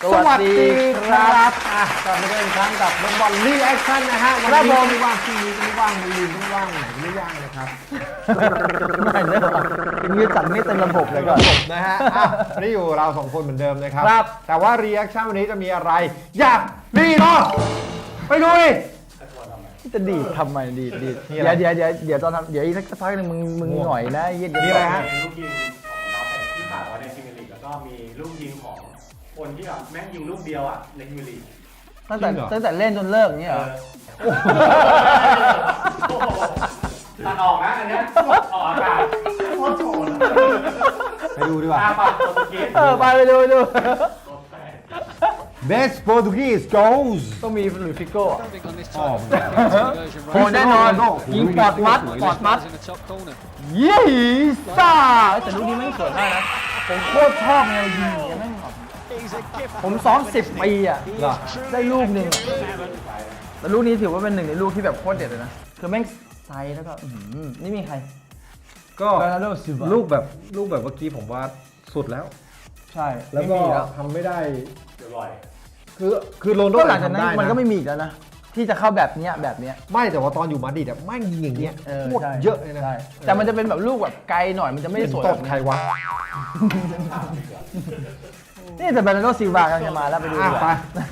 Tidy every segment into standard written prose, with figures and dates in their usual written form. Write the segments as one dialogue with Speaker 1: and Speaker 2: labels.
Speaker 1: สวัสดีครับกลับมาเจออีกครั้งกับบอลรีแอคชั่นนะฮะวันนี้ไม่ว่างพรุ่งนี้ไม่ว่างวันอื่นไม่ว่างไหนไม่ว่างนะครับ
Speaker 2: ไม่เนอะเป็นยืดสั่นไม่เต็มระบบเลยก่อน
Speaker 1: นะฮะวันนี้อยู่เราสองคนเหมือนเดิมนะครับแต่ว่ารีแอคชั่นวันนี้จะมีอะไรอยากดีเนาะไปดูดิ
Speaker 2: จะดีทำไมดีเดี๋ยวตอนทำเดี๋ยวอีกสักพักนึงมึงหน่อยนะยืด
Speaker 1: มีอะไรฮะ
Speaker 3: ลูกยิงของดาวเตะที่ขาดไว้ในพรีเมียร์ลีกแล้วก็มีลูกยิงของคนที่แบบแม่งยิงลูกเดียวอ่ะในพรีเมียร์ลีก
Speaker 2: ตั้งแต่เล่นจนเลิกอย่างเงี้ยเหรอ
Speaker 3: ตัดออกนะอันนี้ออกอากาศโคตรโฉด
Speaker 1: ไปดูดีกว่า
Speaker 2: ไปดู
Speaker 1: Best Portuguese goals
Speaker 2: ต้องมีหรือฟิโก้
Speaker 1: โอ้แน่นอน
Speaker 2: ยิงปอดมัดยี่ซ่าแต่ลูกนี้ไม่สวยมากนะผมโคตรชอบแนวยิงอย่างนั้นผมซ้อม10 ปีอ่ะได้ลูกหนึ่งแต่ลูกนี้ถือว่าเป็นหนึ่งในลูกที่แบบโคตรเด็ดเลยนะคือแม่งไซส์แล้วก็นี่มีใคร
Speaker 1: ก็ลูกแบบเมื่อกี้ผมว่าสุดแล้ว
Speaker 2: ใช่
Speaker 1: แล้วก็ทำไม่ได้
Speaker 3: บ่อย
Speaker 1: คือโรนลโด
Speaker 2: หลังจากนั้นมันก็ไม่มีอีกแล้วนะที่จะเข้าแบบเนี้ย
Speaker 1: ไม่แต่ว่าตอนอยู่มาดริดอะไม่ยิงอย่างเงี้ยโคตรเยอะเลยนะ
Speaker 2: แต่มันจะเป็นแบบลูกแบบไกลหน่อยมันจะไม่สวย
Speaker 1: ตบใครวะ
Speaker 2: นี่แต่เบรนาร์โดซิลวากำลังจะมาแล้วไปดูไป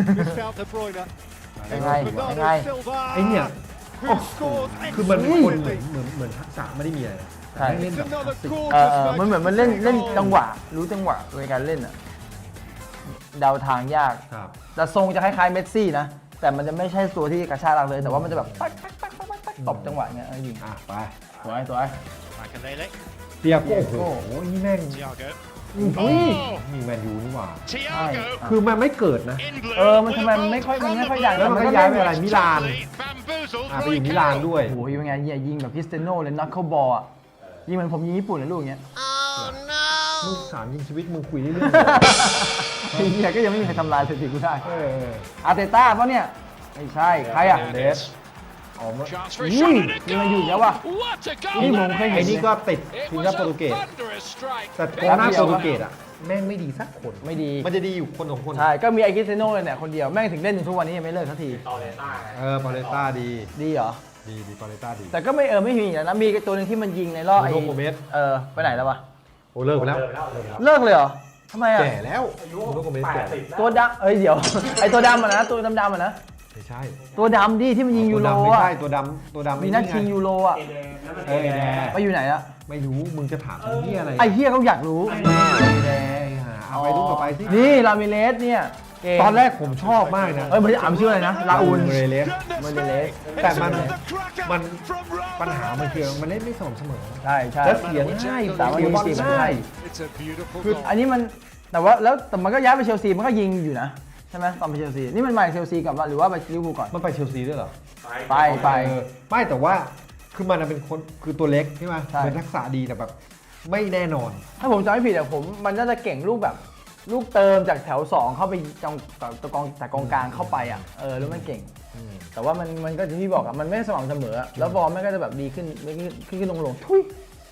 Speaker 2: ยังไง
Speaker 1: ไอ้เนี่ยคือมันเหมือนทักษะไม่ได้มีอะไรเล่นแบบ
Speaker 2: มันเหมือนมันเล่นจังหวะรู้จังหวะในการเล่นอะเดาทางยากแต่ทรงจะคล้ายๆเมสซี่นะแต่มันจะไม่ใช่ตัวที่กระชากหลักเลยแต่ว่ามันจะแบบตบจังหวะเงี้ยยิง
Speaker 1: ไป
Speaker 2: สวย
Speaker 1: เตียโก้โอ้โหนี่แม่งมีแมนยูนี่หว่าคือมันไม่เกิดนะ
Speaker 2: มันทำไมมันไม่ค่อยดัง
Speaker 1: แล้วมันก็ย้ายไปอะไรมิลานไปอยู่มิลานด้วย
Speaker 2: โอ้ยยังไงยิงแบบคริสเตียโน่เลยนักเข้าบอลอ่ะยิงเหมือนผมยิงญี่ปุ่นเลยลูกเงี้ย
Speaker 1: ลูก3ยิงชีวิตมึงคุยเรื่อย
Speaker 2: ๆไอ้เนี่ยก็ยังไม่มีใครทำลายสถิติกูได้อาร์เตต้าเพราะเนี่ยไม่ใช่ใครอ่ะเดสนี่มาอยู่แล้ววะนี่ผมเคยเห็น
Speaker 1: ไอ้นี่ก็ติดทีมชาติโปรตุเกสแต่กองหน้าโปรตุเกสอ่ะแม่งไม่ดีสักคน
Speaker 2: ไม่ดี
Speaker 1: มันจะดีอยู่คนของคน
Speaker 2: ใช่ก็มีไอคริสเตียโน่เลยเนี่ยคนเดียวแม่งถึงเล่นถึงทุกวันนี้ยังไม่เลิกสักที
Speaker 3: ปาเลต้า
Speaker 1: ปาเลต้า
Speaker 2: ดีเหรอ
Speaker 1: ดีปาเลต้าดี
Speaker 2: แต่ก็ไม่มีแล้วนะมีตัวนึงที่มันยิงในรอบไอ้ไปไหนแล้ววะ
Speaker 1: โอ้เลิกไปแล้ว
Speaker 2: เลิกเลยเหรอทำไมอ่ะ
Speaker 1: แก่แล้วลูกโกเมสแก่
Speaker 2: ตัวดำเดี๋ยวไอตัวดำอ่ะนะตัวดำอ่ะนะ
Speaker 1: ไม่ใช่
Speaker 2: ตัวดำดิที่มันยิงยูโร
Speaker 1: ไม่ใช่ตัวดำ
Speaker 2: มีนักชิงยูโรอ่ะไปอยู่ไหนอะ
Speaker 1: ไม่รู้มึงจะถามเฮียอะไร
Speaker 2: ไอเฮียเขาอยากรู้
Speaker 1: เอาไปดูต่อไปสิ
Speaker 2: นี่ลามิเลสเนี่ย
Speaker 1: ตอนแรกผมชอบมากนะ
Speaker 2: มันจะอ่านชื่ออะไรนะลาอูน
Speaker 1: เมเรเลสแต่มันปัญหามันคือมันเล่นไม่สม่ำเสมอ
Speaker 2: ใช่
Speaker 1: แล้วเสียง่าย
Speaker 2: แต่ว่ามันใช่คืออันนี้มันแต่ว่าแล้วแต่มันก็ย้ายไปเชลซีมันก็ยิงอยู่นะใช่ไหมตอนไปเชลซีนี่มันมาเชลซีกับหรือว่าไปลิเวอร์พูลก่อน
Speaker 1: มันไปเชลซีด้วยเหรอ
Speaker 2: ไป
Speaker 1: ไม่แต่ว่าคือมันเป็นคนคือตัวเล็กใช่ไหมเป็นทักษะดีแต่แบบไม่แน่นอน
Speaker 2: ถ้าผมจำไม่ผิดมันน่าจะเก่งลูกแบบลูกเติมจากแถว2เข้าไปจากกองกลางเข้าไปอ่ะแล้วมันเก่งแต่ว่ามันก็ที่พี่บอกอ่ะมันไม่สม่ำเสมอแล้วฟอร์มมันก็จะแบบดีขึ้นลงทุย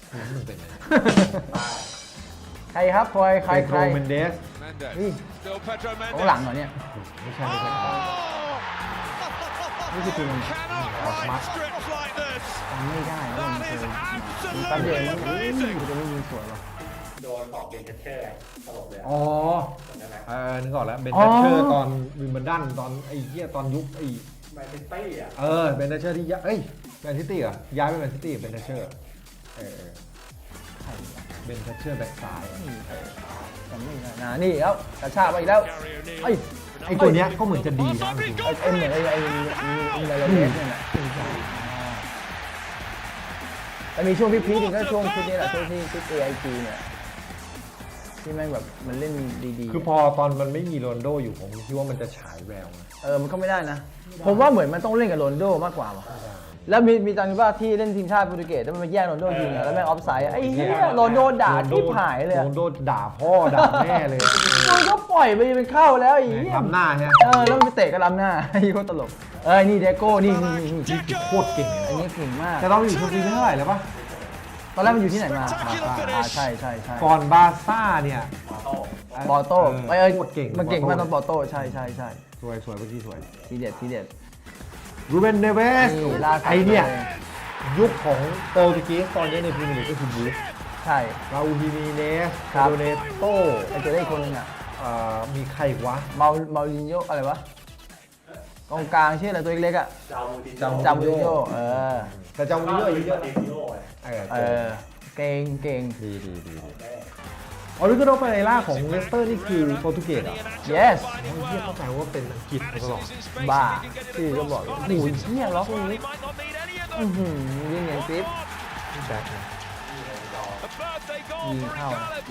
Speaker 2: ใครครับใคร
Speaker 1: เมนเดส
Speaker 2: ของหลังเหรอเนี่ย
Speaker 1: ไม่ใช่
Speaker 2: นี่คือทีม
Speaker 1: มัด
Speaker 2: ไม่ได้แล้วมันคือแป๊บเดียวมันจะไม่ยิงสวยหรอ
Speaker 3: โดนตอกเบนเชอร์ตลบเลย
Speaker 1: นึกออกแล้วเบนเชอร์ตอนวิมเบิลดันตอนไอ้เหี้ยตอนยุคไอ้
Speaker 3: แมนซิตี้อ่ะ
Speaker 1: เบนเชอร์ที่แมนซิตี้เหรอย้ายไปแมนซิตี้เบนเชอร์เบนเชอร์แบ็คซ้าย
Speaker 2: จำไม่ได้นี่แล้วกระชากไปอีกแล้ว
Speaker 1: ไอ้ตัวเนี้ยก็เหมือนจะดีนะ
Speaker 2: เหมือนไอ้อะไรเนี่ยแต่มีช่วงพีคๆก็ช่วงชุดนี้แหละช่วงที่ชุด AIG เนี่ยที่แม่งแบบมันเล่นดี
Speaker 1: ๆคือพอตอนมันไม่มีโรนโดอยู่ผมคิดว่ามันจะฉายแวว
Speaker 2: มันก็ไม่ได้นะผมว่าเหมือนมันต้องเล่นกับโรนโดมากกว่าแล้วมีตอนนี้ว่าที่เล่นทีมชาติโปรตุเกสแล้วมันมาแย่งโรนโดยิงแล้วแม่งออฟไซด์ไอ้เหี้ยโรนโดด่าที่หายเลย
Speaker 1: โรนโดด่าพ่อด่าแม่เลย
Speaker 2: มันก็ปล่อยไปเป็นเข้าแล้วไอ้เหี้ย
Speaker 1: ล้ำหน้าใช่
Speaker 2: แล้วมันไปเตะก็ล้ำหน้าไอ้โคตรตลกนี่เดโก้นี่
Speaker 1: โคตรเก่ง
Speaker 2: อันนี้เก่งมาก
Speaker 1: แต่เราอยู่เชลซีเท่าไหร่แล้วปะ
Speaker 2: ตอนแรกมันอยู่ที่ไหนมาใช่
Speaker 1: ก่อนบาร์ซ่าเนี่ย
Speaker 2: ปอโต้
Speaker 1: โคตรเก่ง
Speaker 2: มันเก่งมากตอนปอโต้ใช่
Speaker 1: สวยเมื่อกี้สวย
Speaker 2: ทีเด็ด
Speaker 1: รูเบนเนเวส
Speaker 2: นี่ล่าสุด
Speaker 1: ไอเนี่ย
Speaker 2: เลย
Speaker 1: ยุคของโปรตุเกสตอนนี้ในพรีเมียร์ลีกก็คือบูฟ
Speaker 2: ใช่
Speaker 1: ราอูลฮิมิเนส
Speaker 2: ครับ
Speaker 1: โดเนโต้
Speaker 2: ไอ้ตัวได้อีกคนนึงอ่ะ
Speaker 1: มีใครอีกวะ
Speaker 2: มาลินโยอะไรวะกองกลางชื่ออะไรตัวเล็กๆอ่ะ
Speaker 3: จามูติโ
Speaker 2: จามูรินโย
Speaker 1: แต่จามูรินโยอายุเยอะ
Speaker 3: ติโย
Speaker 2: เก่ง
Speaker 1: ดีออริโกโนเปเรล่าของเลสเตอร์นี่คือโปรตุเกสเหรอ
Speaker 2: yes
Speaker 1: เฮียเข้าใจว่าเป็นอังกฤษมาตลอด
Speaker 2: บ้าชื่อก็บอกโอ้ยเฮียล็อกนี้ยิงอย่างปิ๊บ
Speaker 1: นี่แบ็คนะ
Speaker 2: ยิงเข้า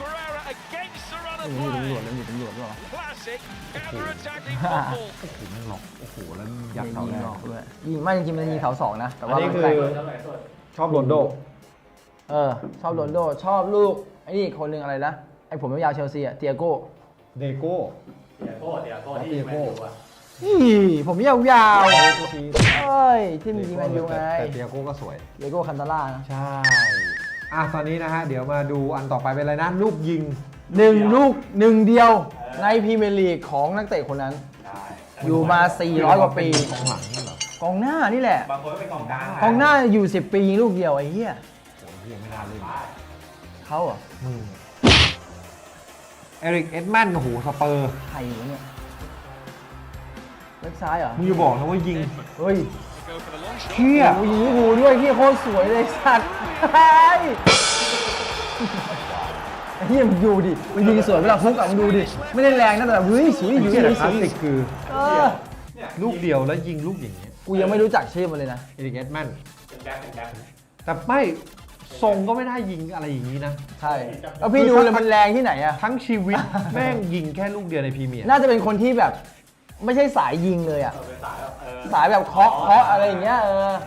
Speaker 2: อยู่ตำรวจหรอ
Speaker 1: โอ้โหมันหลอกโอ้โหแล้วยัด
Speaker 2: ยิ
Speaker 1: เขา
Speaker 2: ง
Speaker 1: ได้
Speaker 2: ออกด้วยยิงไม่จริงๆมันยิงเสาสองนะแต่
Speaker 1: อัน
Speaker 2: ว่า
Speaker 1: นี้คือ ชอบโรนลโด
Speaker 2: ชอบโรนลโดชอบลูกไอ้นี่คนหนึ่งอะไรนะไอ้ผมยาวเชลซีอะเตียโก้
Speaker 1: เดโก้
Speaker 3: เดียโก้ที่แมนยูอ่ะ
Speaker 2: ผมยาวเอ้ยที่มีแมนยูไง
Speaker 1: แต่เตียโก้ก็สวย
Speaker 2: เตียโก้คันตาล่านะ
Speaker 1: ใช่ตอนนี้นะฮะเดี๋ยวมาดูอันต่อไปเป็นอะไรนะลูกยิง
Speaker 2: ลูกหนึ่งเดียวในพรีเมียร์ลีกของนักเตะคนนั้น อยู่มา 400 กว่าปี
Speaker 1: ของหลังนี่เหรอก
Speaker 2: องหน้านี่แหละ
Speaker 3: บางคนก็เป็นกองกลาง
Speaker 2: กองหน้าอยู่ 10 ปียิงลูกเดียวไอ้เหี้ย
Speaker 1: โอ้ยยังไม่น่าเล่น
Speaker 2: เขาเหรอ
Speaker 1: มึงเอริกเอ็ดแมนโอ้โหสเปอร์
Speaker 2: ใครวะเนี่ยเล็กซ้ายเหรอ
Speaker 1: มึงอย่าบอกนะว่ายิง
Speaker 2: เฮ้ย
Speaker 1: เชี่ย
Speaker 2: โอ้ยยิงลิเวอร์พูลด้วยเหี้ยโคตรสวยเลยสัตว์ไอ้เหี้ยมึงดูดิมันยิงสวยเวลาฟุกอะมึงดูดิไม่ได้แรงนะแต่แบบเฮ้ยสวยอยู่
Speaker 1: เชี่ย
Speaker 2: เล
Speaker 1: แต่
Speaker 2: ย
Speaker 1: คลาสสิกคือ
Speaker 3: เนี่ย
Speaker 1: ลูกเดียวแล้วยิงลูกอย่างเงี้ย
Speaker 2: กูยังไม่รู้จักชื่อมันเลยนะ
Speaker 1: เอริกเอ็ดแมน
Speaker 3: เป็นแบ็ค
Speaker 1: แต่ไม่ทรงก็ไม่ได้ยิงอะไรอย่างนี้นะ
Speaker 2: ใช่แล้วพี่ดูเลยมันแรงที่ไหนอะ
Speaker 1: ทั้งชีวิต แม่งยิงแค่ลูกเดียวในพรีเมียร์
Speaker 2: น่าจะเป็นคนที่แบบไม่ใช่สายยิงเลยอะ
Speaker 3: เป็นสายแบบ
Speaker 2: สายแบบเคาะอะไรอย่างเงี้ย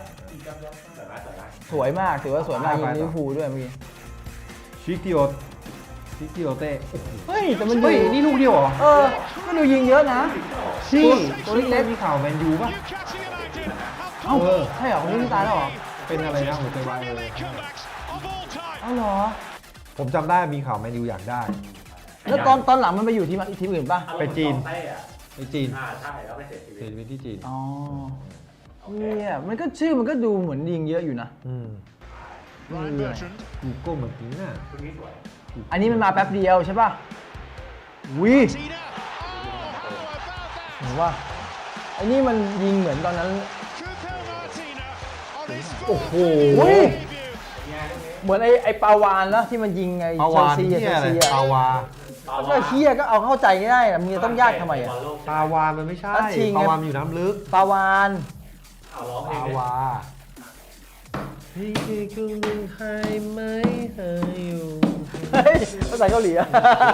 Speaker 2: สวยมากถือว่าสวยมากยิงลิเวอร์พูลด้วยเมื่อกี้
Speaker 1: ชิคิโอเต้
Speaker 2: เฮ้ยแต่มัน
Speaker 1: เฮ้ยนี่ลูกเดียวเหรอ
Speaker 2: ก็ดูยิงเยอะนะ
Speaker 1: ชี่
Speaker 2: ตัวเล็ก
Speaker 1: มีข่าวแมนยูป่ะ
Speaker 2: เอ้าใช่เหรอคนนี้ตายแล้วเหรอ
Speaker 1: เป็นอะไรนะหัวใจวาย
Speaker 2: เอ้าเหรอ
Speaker 1: ผมจำได้มีข่าวแมนยูอยากได้
Speaker 2: แล้วตอนหลังมันไปอยู่ที่อื่นป่ะ
Speaker 1: ไปจีน ไปจีน
Speaker 3: ใช่แล้วไปเสียชีวิ
Speaker 1: เสีย
Speaker 3: ต
Speaker 1: ชีวิตที่จีน
Speaker 2: อ๋อเนี่ยมันก็ชื่อมันก็ดูเหมือนยิงเยอะอยู่นะ
Speaker 1: กูโก้เหมือนจริงน่ะ
Speaker 3: คุณนี้สวย
Speaker 2: อันนี้มันมาแป๊บเดียวใช่ป่ะวิเห็นว่าอันนี้มันยิงเหมือนตอนนั้น
Speaker 1: โอ้โห
Speaker 2: อุ้ยเหมือนไอ้ปาวานนะที่มันยิงไง
Speaker 1: ปาวาน
Speaker 2: เช
Speaker 1: เนี่ย
Speaker 2: ล
Speaker 1: อะไร
Speaker 2: ซี
Speaker 1: ปาวา
Speaker 2: ก็เฮียก็เอาเข้าใจง่ายๆนะมึงจะต้องยากทำไมอะ
Speaker 1: ปาวามันไม่ใช่
Speaker 2: นัดชิงไง
Speaker 1: ปาวามันอยู่น้ำลึก
Speaker 2: ปาวาน
Speaker 3: เอาร้องเพล
Speaker 1: ปาง
Speaker 3: เลยว
Speaker 1: าพี่คือครึ่งหนึ่งให้ไหมให้อยู่
Speaker 2: เฮ้ยภาษาเกาหลีอะ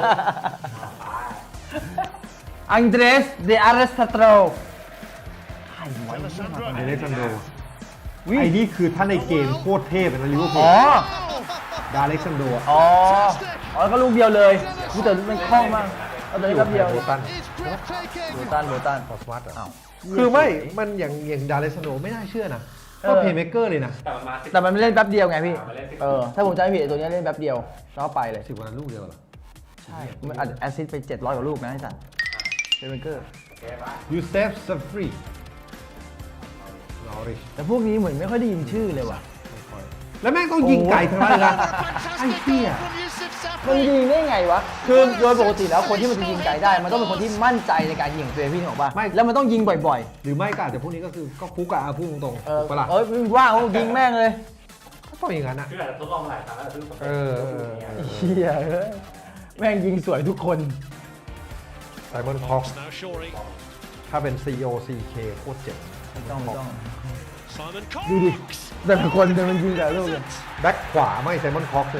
Speaker 2: อังเดรสเดอาร์เรสตาโตรใครวะ
Speaker 1: เดเรซันโดไอ้นี่คือท่านในเกมโคตรเทพเลยนะลิเวอร์พู
Speaker 2: อ๋
Speaker 1: ล
Speaker 2: อ
Speaker 1: ดาเล็กซันโด
Speaker 2: อ๋อแล้วก็ลูกเดียวเลยกูแต่มันคล่องมากเอาตัวนี้แป๊บเดียว
Speaker 1: โบตัน
Speaker 2: โบตัน
Speaker 1: พอสวัตเหรอ
Speaker 2: อ้าว
Speaker 1: คือไม่ มันอย่างดาเล็กซันโดไม่น่าเชื่อนะก็เพย์เมเกอร์เลยนะ
Speaker 3: แต่มันมา10
Speaker 2: แต่มันเล่นแป๊บเดียวไงพี่
Speaker 3: มาเล่น10
Speaker 2: ถ้าผมจำไม่ผิดไอ้ตัวนี้เล่นแป๊บเดียวแล้วก็ไปเลย
Speaker 1: 10 วันนั้นลูกเดียวเหรอ
Speaker 2: ใช่มันแอสซิสต์ไป700 กว่าลูกนะไอ้สัตว์เซเวนเกอร์
Speaker 1: ยูเซฟซัฟฟรีลอริช
Speaker 2: แต่พวกนี้เหมือนไม่ค่อยได้ยินชื่อเลยว่ะ
Speaker 1: แล้วแม่งต้องยิงไก่ทั้งนั้นเลยนะไอ้เหี้ย
Speaker 2: มันยิงได้ไงวะ คือโดยปกติแล้วคนที่มันจะยิงไกลได้ มันต้องเป็นคนที่มั่นใจในการยิงของตัวเองพี่นึกออกป่ะ แล้วมันต้องยิงบ่อย
Speaker 1: หรือไม่ก็อาจจะพวกนี้ก็คือก็ฟุกอะพูดตรง
Speaker 2: ๆ
Speaker 1: ๆถูกปะล่ะ
Speaker 2: ว่างยิงแม่งเลย
Speaker 1: ก็ต้องอย่างนั้นอะ
Speaker 3: คืออาจจะทดลองหลายครั้งแล้วซึ่งผม
Speaker 2: เฮียเอ้ยแม่งยิงสวยทุกคน
Speaker 1: ไซมอนคอกถ้าเป็น COCK โคตรเจ๋ง
Speaker 2: ไม่ต้องดูดิแต่ละคนมันยิงแต่ลูกเลย
Speaker 1: แบ็คขวาไม่ไซมอนคอกเลย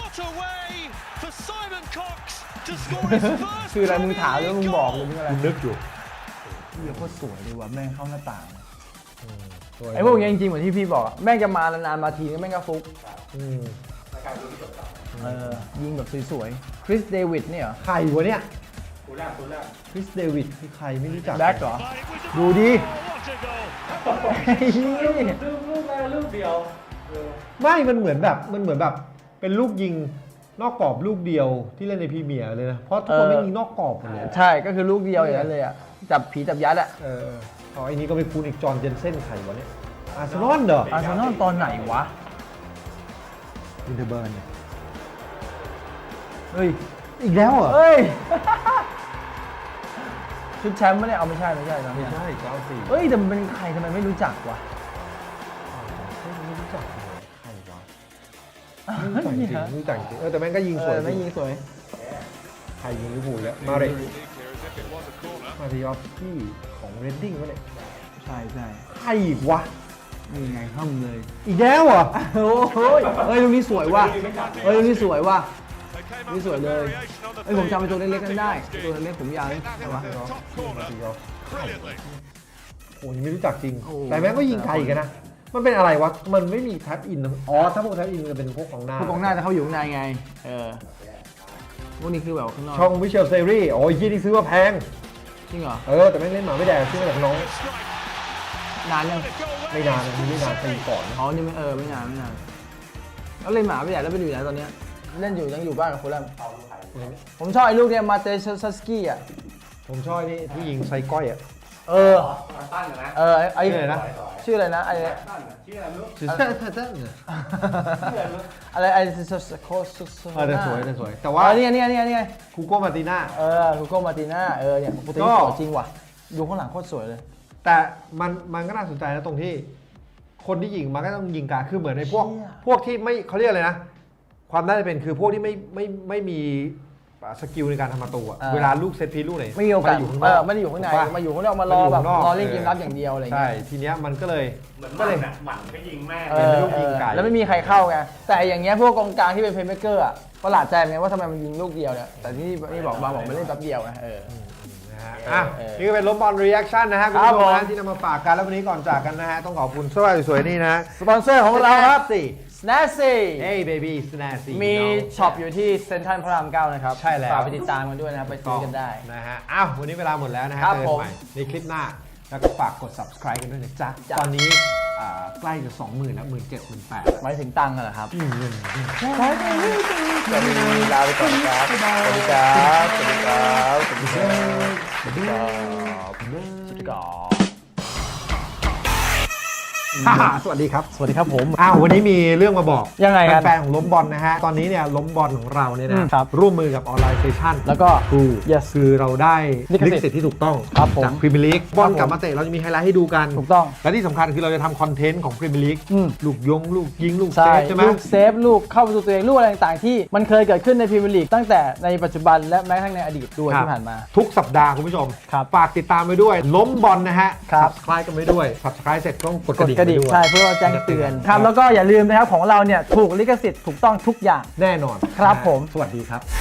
Speaker 2: คืออะไรมึงถามแล้วมึงบอกเลยมึงอะไร
Speaker 1: คุณนึกอยู่
Speaker 2: เฮียโคตรสวยเลยว่ะแม่งเข้าหน้าต่าง
Speaker 1: สวย
Speaker 2: ไอ้พวกนี้จริงๆเหมือนที่พี่บอกอะแม่งจะมานานๆมาทีนึงแม่งก็ฟุก
Speaker 1: อืม
Speaker 2: ยิงแบบสวยๆคริสเดวิดเนี่ยเหรอ
Speaker 1: ใครวะเนี่ย
Speaker 3: คุณแรก
Speaker 1: คริสเดวิดคือใครไม่รู้จัก
Speaker 2: แบ็คเหรอ ดูดิ
Speaker 3: ลูกเดียว
Speaker 1: ไม่มันเหมือนแบบเป็นลูกยิงนอกกรอบลูกเดียวที่เล่นในพรีเมียร์เลยนะเพราะทุกคนไม่มีนอกกรอบหมดเลย
Speaker 2: ใช่ก็คือลูกเดียวอย่างนั้นเลยอ่ะจับผีจับยัดอ่ะ
Speaker 1: ไอ้นี้ก็ไม่คุ้นอีกจอห์นเจนเซ่นใครวะเนี่ยอาร์เซนอลเหรอ
Speaker 2: อาร์เซนอลตอนไหนวะ
Speaker 1: วินเทอร์เบิร์น
Speaker 2: เฮ้ย
Speaker 1: อีกแล้วเหรอ
Speaker 2: เฮ้ย ชุดแชมป์ไม่ได้เอาไม่ใช่นะ
Speaker 1: ไม่ใช่เจ้าสี่
Speaker 2: เฮ้ยแต่มันเป็นใครทำไมไม่รู้จักวะ
Speaker 1: ไม่รู้จักเลยใครวะไม่รู้จักจริงไม่รู้จักจริงแต่แม่งก็ยิงสวย
Speaker 2: ไม่ยิงสวย
Speaker 1: ใครยิงลิเวอร์พูลแล้วมาริออฟสกี้ของเรดดิ้งวะเนี่ย
Speaker 2: ใช่ใช่
Speaker 1: ใครอีกวะ
Speaker 2: นี่ไงห้ำเลย
Speaker 1: อีกแล้วเหรอ
Speaker 2: โอ้โหเฮ้ยลูกนี้สวยว่ะเฮ้ยลูกนี้สวยว่ะนี่สวยเลยเฮ้ยผมจำเป็นตัวเล็กๆกันได้ตัวเล็กผมยาวเลยใช่ปะ
Speaker 1: โอ้ยไม่รู้จักจริง แต่แม่งก็ยิงไกลกันนะมันเป็นอะไรวะมันไม่มีแท็บอินอ๋อถ้าพวกแท็บอินจะเป็นพวกของหน้า
Speaker 2: พวกกองหน้าจะเข้าอยู่ข้างในไงพวกนี้คือแบบข้างนอก
Speaker 1: ช่องวิเชลเซรี่โอ้ยยี่นี่ซื้อมาแพง
Speaker 2: จริงเหรอ
Speaker 1: แต่แม่งเล่นหมาไม่แดงซื้อมาจากน้อง
Speaker 2: นานยัง
Speaker 1: ไม่นานนะไม่นานปีก่อนนะ
Speaker 2: อ๋อนี่ไม่นานแล้วเล่นหมาไปไหนแล้วไปอยู่ไหนตอนเนี้ยเล่นอยู่ยังอยู่บ้านกับคนแรกผมชอบไอ้ลูกเนี่ยมาเตชัสกี้อ่ะ
Speaker 1: ผมชอบนี่ที่ยิงไซก้อยอ่ะ
Speaker 3: ตั้นนะ
Speaker 2: ไอ้
Speaker 1: ชื่ออะไรนะ
Speaker 2: ชื่ออะไรนะไอ้
Speaker 3: ตั้นชื่ออะไรไม่รู้
Speaker 1: ชื่อเต้น
Speaker 2: อะไรไอ้โคส
Speaker 1: แต่สวยแต่
Speaker 2: ว่า
Speaker 1: ว่า
Speaker 2: นี่ไง
Speaker 1: คูโก้มาติน่า
Speaker 2: ลูโก้มาติน่าเนี่ยโปรตีนสวยจริงว่ะดูข้างหลังโคตรสวยเลย
Speaker 1: แต่มันก็น่าสนใจนะตรงที่คนที่ยิงมันก็ต้องยิงกาคือเหมือนในพวกที่ไม่เขาเรียกอะไรนะความน่าจะเป็นคือพวกที่ไม่มีสกิลในการทำประตูอะเวลาลูกเซตพีลูกไหน
Speaker 2: ไม่มีโอกาส
Speaker 1: อยู่ข้างนอก
Speaker 2: ไม่ได้อยู่ข้างใน
Speaker 1: ถูกปะ
Speaker 2: มาอยู่ข้างนอกมารอแบบรอเล่นเกมรับอย่างเดียวอะไร
Speaker 1: ใช่
Speaker 2: เงี้ย
Speaker 1: ทีเนี้ยมันก็เลย
Speaker 3: เหมือน
Speaker 1: ก็เลย
Speaker 3: หมันก็ยิงแม่
Speaker 1: เป็นลูกยิงไก่
Speaker 2: แล้วไม่มีใครเข้าไงแต่อย่างเงี้ยพวกกองกลางที่เป็นเพลย์เมคเกอร์อะประหลาดใจไงว่าทำไมมันยิงลูกเดียวเนี่ยแต่นี่บอกมันเล่นแป๊บเดียวไง
Speaker 1: นะฮะนี่ก็เป็นล้มบอลรีแอคชั่นนะฮะคุณผู้ชมนะที่นำมาฝากกันแล้ววันนี้ก่อนจากกันนะฮะต้องขอบคุณเสื้อสวยๆนี่นะ
Speaker 2: สปอนเซอร์ของเราครับ
Speaker 1: สิ
Speaker 2: Snazzy
Speaker 1: เฮ้ยเบบี้สแนสซี่
Speaker 2: มีช็อปอยู่ที่เซ็นทรัลพระราม 9 นะครับ
Speaker 1: ใช่แล้ว
Speaker 2: ฝากไปติดตามกันด้วยนะครับ ไปซื้อกันได้
Speaker 1: นะฮะอ้าววันนี้เวลาหมดแล้วนะฮะ
Speaker 2: ครับ
Speaker 1: เจอ
Speaker 2: ผ
Speaker 1: กัน
Speaker 2: ม
Speaker 1: ใหม่ในคลิปหน้าแล้วก็ฝากกด subscribe กันด้วยนะจ๊ะ
Speaker 2: จ้ะ
Speaker 1: ตอนนี้ใกล้จะ 20,000 แล้ว 17,000 18,000
Speaker 2: หมายถึงตังค์กันเหรอครับ
Speaker 1: เงิน
Speaker 2: วันนี้ลาไปก่อนครับสวัสดีครับสวัสดีครับสวัสดีครับสวัสดีครับสวัสดีครับ
Speaker 1: สวัสดีครับ
Speaker 2: สวัสดีครับผม
Speaker 1: วันนี้มีเรื่องมาบอก
Speaker 2: ยังไงครับ
Speaker 1: แฟนๆของล้มบอลนะฮะตอนนี้เนี่ยล้มบอลของเราเนี่ยนะครับ ร่วมมือกับออนไลน์เซสชั่น
Speaker 2: แล้วก็ yes
Speaker 1: คือเราได้
Speaker 2: ลิขสิทธิ์
Speaker 1: ลิขสิทธิ์ที่ถูกต้อง
Speaker 2: ครับผม
Speaker 1: จากพรีเมียร์ลีกบอลกลับมาเตะเราจะมีไฮไลท์ให้ดูกัน
Speaker 2: ถูกต้อง
Speaker 1: และที่สำคัญคือเราจะทำคอนเทนต์ของพรีเมียร์ลีก ลูกลูกยิงลูกเซ
Speaker 2: ใช่
Speaker 1: ฟใช่ไหม
Speaker 2: ลูกเซฟลูกเข้าประตูตัวเองลูกอะไรต่างๆที่มันเคยเกิดขึ้นในพรีเมียร์ลีกตั้งแต่ในปัจจุบันและแม้กระทั่งในอดีตด้วย
Speaker 1: ครับ
Speaker 2: ที่ผ่านมา
Speaker 1: ทุกสัปดาห์คุณผู้ชม
Speaker 2: ครับ
Speaker 1: ฝากติดตามไปด้วย ล้มบอลนะฮะ
Speaker 2: ครับ
Speaker 1: subscribe กันไปด้วย subscribe เสร็จต้องกด
Speaker 2: ก
Speaker 1: ก
Speaker 2: ด
Speaker 1: ระดิ่ง
Speaker 2: กระดิ่ง
Speaker 1: ไปด้วย
Speaker 2: ใช่เพื่อแจ้งเตือนครับแล้วก็อย่าลืมนะครับของเราเนี่ยถูกลิขสิทธิ์ถูกต้องทุกอย่าง
Speaker 1: แน่นอน
Speaker 2: ครับผม
Speaker 1: สวัสดีครับ